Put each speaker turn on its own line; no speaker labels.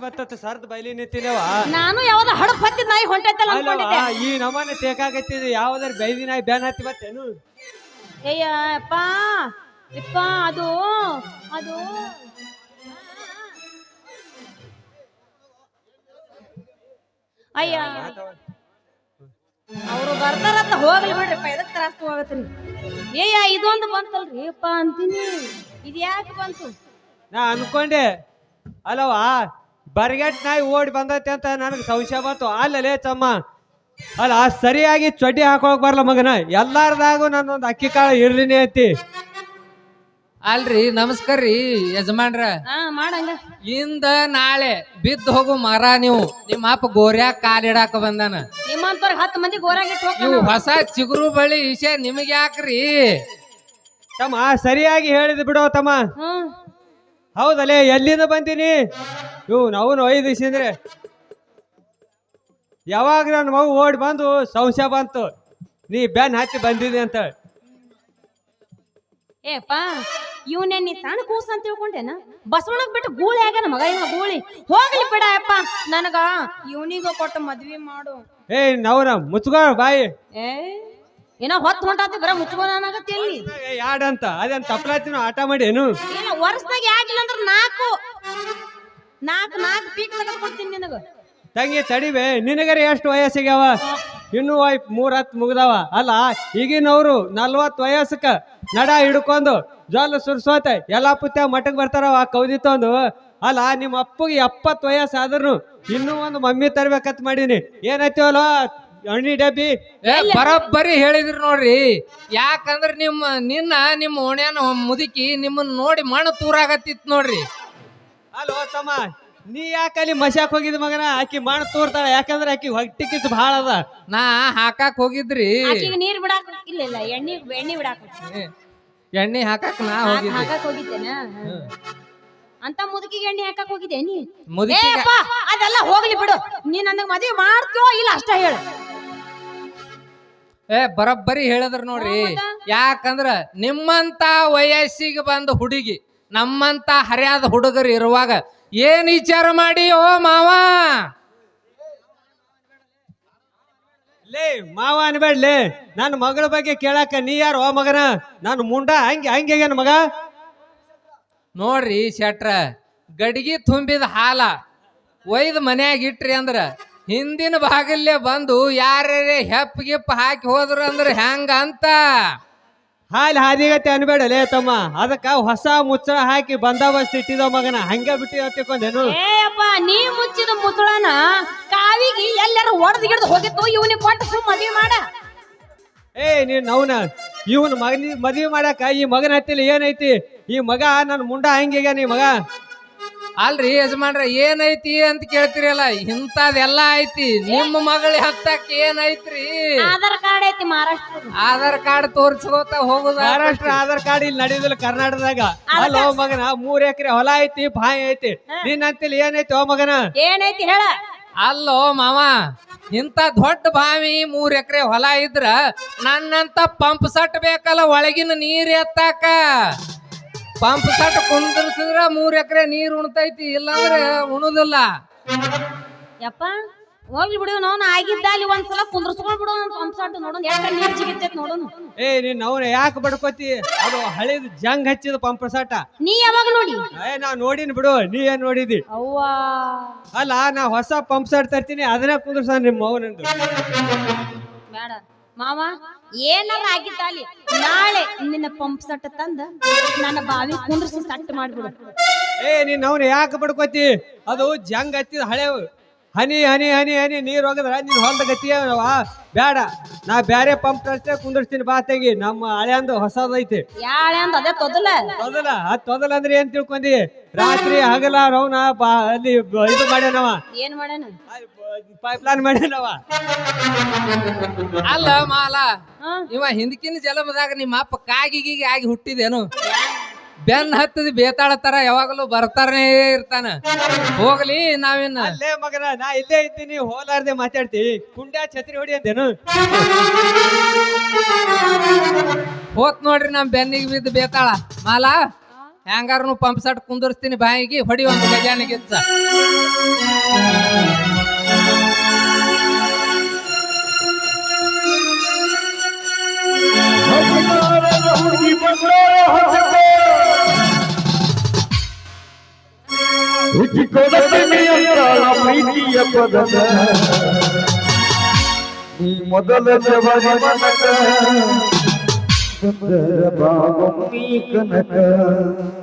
ಬತ್ತ ಸರ್ದ್ ಬೈಲಿ ನಿಂತಿನವ
ನಾನು ಯಾವ್ದ ಹಡಪ್ ಹತ್ತಿದ್ ನಾಯಿ ಹೊಂಟೈತಲ್ಲ ಅನ್ಕೊಂಡಿದ್ದೆ.
ಈ ನಮ್ಮನೆ ತೇಕಾಗತ್ತಿದ್ ಯಾವ್ದಾರ ಬೈದಿ ನಾಯಿ ಬ್ಯಾನ್ ಹತ್ತಿ ಬತ್ತೇನು?
ಅಯ್ಯ ಅಪ್ಪ ಇಪ್ಪ ಅದು ಅದು ಅಯ್ಯ ಅವ್ರು ಬರ್ತಾರಂತ ಹೋಗ್ಲಿ ಬಿಡ್ರಿಪ್ಪ, ಎದಕ್ ತ್ರಾಸ ಹೋಗತ್ರಿ. ಏಯ್ಯ ಇದೊಂದು ಬಂತಲ್ರಿ ಅಪ್ಪ ಅಂತೀನಿ, ಇದು ಯಾಕೆ ಬಂತು?
ನಾ ಅನ್ಕೊಂಡೆ ಅಲ್ಲವಾ ಬರ್ಗೆಟ್ ನಾಯಿ ಓಡಿ ಬಂದೈತೆ ಅಂತ ನನಗೆ ಸಂಶಯ ಬಂತು. ಅಲ್ಲಲೇ ತಮ್ಮ ಅಲ್ಲ ಸರಿಯಾಗಿ ಚೊಡ್ಡಿ ಹಾಕೋಕ್ ಬರಲ್ಲ ಮಗನ, ಎಲ್ಲಾರ್ದಾಗೂ ನನ್ನೊಂದು ಅಕ್ಕಿ ಕಾಳು ಇರ್ಲಿನೇ ಐತಿ.
ಅಲ್ರಿ ನಮಸ್ಕಾರ ರೀ ಯಜಮಾನ್ರ.
ಮಾಡಂಗ
ಇಂದ ನಾಳೆ ಬಿದ್ದು ಹೋಗು ಮರ ನೀವು. ನಿಮ್ಮ ಅಪ್ಪ ಗೋರ್ಯಾಗ ಕಾಲಿಡಾಕ ಬಂದಾನ.
ನಿಮ್ಮಂತವ್ರಿಗೆ 10 ಮಂದಿ ಗೋರಾಗಿಟ್ಟು
ನೀವು ಹೊಸ ಚಿಗುರು ಬಳಿ ವಿಷಯ ನಿಮಗೆ ಯಾಕ್ರಿ?
ತಮ್ಮ ಸರಿಯಾಗಿ ಹೇಳಿದ್ ಬಿಡೋ ತಮ್ಮ. ಹೌದಲ್ಲೇ ಎಲ್ಲಿಂದ ಬಂದೀನಿ? ಅವನು 5 ದಿವಸ ಅಂದ್ರೆ ಯಾವಾಗ ನನ್ನ ಮಗು ಓಡಿ ಬಂದು ಸಂಶಯ ಬಂತು ನೀ ಬ್ಯಾನ್ ಹತ್ತಿ ಬಂದಿದೆ ಅಂತ.
ಏಪ್ಪ ಇವನೇ ನೀ ಸಣ್ಣ ಕೂಸ ಅಂತ ತಿಳ್ಕೊಂಡೇನ? ಬಸವಣ್ಣಗ್ ಬಿಟ್ಟು ಗೂಳಿ ಆಗ್ಯಾನ ಮಗ, ಇವ ಗೂಳಿ ಹೋಗ್ಲಿ ಬಿಡ ಅಪ್ಪ, ನನಗ ಇವನಿಗ ಕೊಟ್ಟು ಮದ್ವಿ ಮಾಡು.
ನವ್ರ ಮುಚ್ಕೋ ಬಾಯಿ.
ಏನೋ ಹೊತ್ತು ಹೊಂಟಾತಿ ಬರ ಮುಚ್ಕೋನಾಗತ್ತೆ. ಎಲ್ಲಿ
ಯಾಡಂತ ಅದೇನ್ ತಪ್ಪಲಾತಿನ ಆಟ ಮಾಡಿ ಏನು?
ಏನ ವರ್ಷದಾಗ ಯಾಕಿಲ್ಲ ಅಂದ್ರೆ ನಾಲ್ಕು ಪೀಕ್ ತೆಗೆದು ಕೊಡ್ತೀನಿ ನಿನಗ.
ತಂಗಿ ತಡಿವೆ, ನಿನಗರ ಎಷ್ಟು ವಯಸ್ಸಿಗ್ಯಾವ? ಇನ್ನೂ 3-10 ಮುಗ್ದಾವ. ಅಲ್ಲ ಈಗಿನವ್ರು 40 ವಯಸ್ಸಕ್ಕ ನಡ ಹಿಡ್ಕೊಂಡು ಜೋಲ ಸುರ್ಸೋತ ಎಲ್ಲಾ ಪುತ್ಯ ಮಠಕ್ ಬರ್ತಾರವ ಕೌದಿ ತಂದು. ಅಲ್ಲ ನಿಮ್ಮ ಅಪ್ಪಗೆ 70 ವಯಸ್ಸು ಆದ್ರೂ ಇನ್ನೂ ಒಂದು ಮಮ್ಮಿ ತರ್ಬೇಕಂತ ಮಾಡೀನಿ. ಏನೈತಿವಲ್ಲ ಅಣ್ಣಿ ಡಬ್ಬಿ
ಬರೋಬ್ಬರಿ ಹೇಳಿದ್ರಿ ನೋಡ್ರಿ. ಯಾಕಂದ್ರ ನಿಮ್ಮ ಓಣ್ಯಾನ ಮುದುಕಿ ನಿಮ್ಮನ್ನ ನೋಡಿ ಮಣ್ಣು ತೂರಾಗತ್ತಿತ್ ನೋಡ್ರಿ.
ಅಲ್ವ ತಮ್ಮ, ನೀ ಯಾಕಲ್ಲಿ ಮಶಾಕ್ ಹೋಗಿದ್ ಮಗನ? ಆಕಿ ಮಣ್ಣು ತೂರ್ತಾಳ, ಯಾಕಂದ್ರೆ ಆಕಿ ಹೊಟ್ಟಿ ಕಿತ್ತು ಭಾಳ ಅದ.
ನಾ ಹಾಕಾಕ್ ಹೋಗಿದ್ರಿ,
ನೀರ್ ಬಿಡಾಕ ಇಲ್ಲ ಎಣ್ಣೆ ಬಿಡಾಕ
ಎಣ್ಣೆ ಹಾಕಾಕ್ ನಾ
ಹೋಗಿದ್ದೇನ ಅಂತ ಮುದುಕಿಗೆ ಎಣ್ಣೆ ಹಾಕಕ್ ಹೋಗಿದ್ದೆ ನೀ?
ಮುದುಕಿ
ಅದೆಲ್ಲ ಹೋಗ್ಲಿ ಬಿಡು, ನೀ ನನಗ್ ಮದ್ವೆ ಮಾಡ್ತೀವೋ ಇಲ್ಲ ಅಷ್ಟ ಹೇಳು.
ಬರೋಬ್ಬರಿ ಹೇಳಿದ್ರ ನೋಡ್ರಿ. ಯಾಕಂದ್ರ ನಿಮ್ಮಂತ ವಯಸ್ಸಿಗೆ ಬಂದ ಹುಡುಗಿ ನಮ್ಮಂತ ಹರಿಯಾದ ಹುಡುಗರು ಇರುವಾಗ ಏನ್ ವಿಚಾರ ಮಾಡಿ ಓ ಮಾವ?
ಲೇ ಮಾವ ಅನ್ಬೇಡ್ಲೇ, ನನ್ನ ಮಗಳ ಬಗ್ಗೆ ಕೇಳಾಕ ನೀ ಯಾರು ಓ ಮಗನ? ನಾನು ಮುಂಡ ಹಂಗೇನ ಮಗ?
ನೋಡ್ರಿ ಶೆಟ್ರ, ಗಡಿಗೆ ತುಂಬಿದ ಹಾಲ ಒಯ್ದು ಮನ್ಯಾಗ ಇಟ್ರಿ ಅಂದ್ರ ಹಿಂದಿನ ಭಾಗಲ್ಲೇ ಬಂದು ಯಾರೇ ಹೆಪ್ಪ ಗಿಪ್ಪ ಹಾಕಿ ಹೋದ್ರು ಅಂದ್ರ ಹೆಂಗ ಅಂತ
ಹಾಲು ಹಾದಿಗತ್ತೆ ಅನ್ಬೇಡಲೇ ತಮ್ಮ. ಅದಕ್ಕ ಹೊಸ ಮುಚ್ಚಳ ಹಾಕಿ ಬಂದೋಬಸ್ತ್ ಇಟ್ಟಿದ ಮಗನ, ಹಂಗ ಬಿಟ್ಟು ತಿಳ್ಕೊಂಡೇನು?
ನೀ ಮುಚ್ಚಿದ ಮುಚ್ಚಳನ ಕಾವಿಗೆ ಎಲ್ಲಾರು ಒಡೆದು ಗಿಡದು ಹೋಗಿತ್ತು, ಇವನಿಗೆ ಕೊಟ್ಟು ಸುಮ್ ಮದ್ವಿ ಮಾಡ.
ನೀನ್ ನವ್ನ ಇವನ್ ಮದ್ವಿ ಮಾಡಾಕ ಈ ಮಗನ ಹತ್ತಿಲ್ಲ ಏನೈತಿ? ಈ ಮಗ ನನ್ನ ಮುಂಡ ಹಂಗೀಗ ನೀ ಮಗ.
ಅಲ್ರಿ ಯಜಮಾನ್ರ, ಏನೈತಿ ಅಂತ ಕೇಳ್ತಿರಲ್ಲ, ಇಂಥದೆಲ್ಲ ಐತಿ. ನಿಮ್ಮ ಮಗಳ ಹತ್ತಕ್ ಏನೈತ್ರಿ?
ಆಧಾರ್ ಕಾರ್ಡ್ ಐತಿ ಮಹಾರಾಷ್ಟ್ರ.
ಆಧಾರ್ ಕಾರ್ಡ್ ತೋರ್ಸ್ಕೋತ ಹೋಗುದ.
ಮಹಾರಾಷ್ಟ್ರ ಆಧಾರ್ ಕಾರ್ಡ್ ಇಲ್ಲಿ ನಡೆಯುದಿಲ್ಲ ಕರ್ನಾಟಕದಾಗ. ಅಲ್ಲ ಮಗನ 3 ಎಕರೆ ಹೊಲ ಐತಿ, ಬಾಯಿ ಐತಿ. ನೀನ್ ಅಂತಿಲ್ಲ ಏನೈತಿ ಓ ಮಗನ?
ಏನೈತಿ ಹೇಳ?
ಅಲ್ಲೋ ಮಾವ, ಇಂತ ದೊಡ್ಡ ಬಾವಿ 3 ಎಕರೆ ಹೊಲ ಇದ್ರ ನನ್ನಂತ ಪಂಪ್ ಸಟ್ ಬೇಕಲ್ಲ ಒಳಗಿನ ನೀರ್ ಎತ್ತಾಕ. ಪಂಪ್ ಸಟ್ ಕುಂದ್ರಸಿದ್ರ 3 ಎಕರೆ ನೀರ್ ಉಣ್ತೈತಿ, ಇಲ್ಲಾಂದ್ರೆ ಉಣುದಿಲ್ಲ.
ಯಪ್ಪ ಹೋಗ್ಲಿ ಬಿಡು, ನಾವು ಆಗಿದ್ದ ಅಲ್ಲಿ ಒಂದ್ಸಲ ಕುಂದ್ರಸ್ಕೊಂಡ್ ಬಿಡು ಪಂಪ್ ಸಟ್ ನೋಡೋಣ ಎಷ್ಟು ನೀರ್ ಜಿಗಿತೈತಿ ನೋಡೋಣ.
ನೀನ್ ಅವ್ನ ಯಾಕೆ ಬಡ್ಕೋತಿ? ಅದು ಹಳೇದು ಜಂಗ್ ಹಚ್ಚಿದ ಪಂಪ್ ಸಟ.
ನೀ ಯಾವಾಗ ನೋಡಿ?
ನಾ ನೋಡಿನ್ ಬಿಡು, ನೀ ಏನ್ ನೋಡಿದಿ?
ಅವ್ವಾ
ಅಲ್ಲ ನಾ ಹೊಸ ಪಂಪ್ ಸಟ್ ತರ್ತೀನಿ, ಅದನ್ನ ಕುಂದ್ರಸ ನಿಮ್ಮ ಮೌನಂದು.
ಬೇಡ ಮಾವ, ಏನಾರ ಆಗಿದ್ದ ಅಲ್ಲಿ ನಾಳೆ ನಿನ್ನ ಪಂಪ್ ಸಟ್ ತಂದ ನನ್ನ ಬಾವಿ ಕುಂದ್ರಸಿ ಸಟ್ ಮಾಡ್ಬಿಡು.
ನೀನ್ ಅವ್ನ ಯಾಕೆ ಬಡ್ಕೋತಿ? ಅದು ಜಂಗ್ ಹಚ್ಚಿದ ಹಳೆವು. ಹನಿ ಹನಿ ಹನಿ ಹನಿ ನೀರ್ ಹೋಗದ್ರ ನೀನ್ ಹೊಲ್ದ ಗತಿಯವ. ಬೇಡ, ನಾ ಬ್ಯಾರೆ ಪಂಪ್ ತರ್ಸೇ ಕುಂದಿರ್ತೀನಿ. ಬಾ ತೆಗಿ, ನಮ್ಮ ಹಳೆ ಅಂದು ಹೊಸದೈತಿ.
ಯಾಳೆ ಅಂದ ಅದೇ ತೊದಲ
ತೊದಲ ಅಂದ್ರೆ ಏನ್ ತಿಳ್ಕೊಂಡಿ? ರಾತ್ರಿ ಹಗಲ ರೌನ ಅಲ್ಲಿ ಇದು ಮಾಡ್ಯಾನವ.
ಏನ್ ಮಾಡ್ಯಾನ?
ಪೈಪ್ ಲೈನ್ ಮಾಡ್ಯಾನವ.
ಅಲ್ಲ ಮಾಲ, ಇವ ಹಿಂದಕಿನ ಜಲಮದಾಗ ನಿಮ್ಮ ಅಪ್ಪ ಕಾಗಿಗಿ ಆಗಿ ಹುಟ್ಟಿದೇನು? ಬೆನ್ ಹತ್ತದ ಬೇತಾಳ ತರ ಯಾವಾಗಲೂ ಬರ್ತಾರನೇ ಇರ್ತಾನ. ಹೋಗ್ಲಿ, ನಾವೇನ
ಅಲ್ಲೇ ಮಗನ, ನಾ ಇಲ್ಲೇ ಇದ್ದೀನಿ, ಹೋಲಾರ್ದೆ ಮಾತಾಡ್ತಿ. ಕುಂಡ್ಯಾ ಛತ್ರಿ ಹೊಡಿ ಅಂತೇನು?
ಹೋತ್ ನೋಡ್ರಿ ನಮ್ ಬೆನ್ನಿಗೆ ಬಿದ್ದು ಬೇತಾಳ. ಮಾಲ ಹೆಂಗಾರನು ಪಂಪ್ ಸಟ್ ಕುಂದರ್ಸ್ತೀನಿ ಬಾಯಿಗೆ ಹೊಡಿ ಒಂದು ಗಜಾನಿಗಿಚ್ಚ
ಪ್ರೀತಿಯ ಪದದ ನೀ ಮೊದಲ ಜವರಿ ಮನಕ ಸುಂದರ ಭಾವ ನೀ ಕನಕ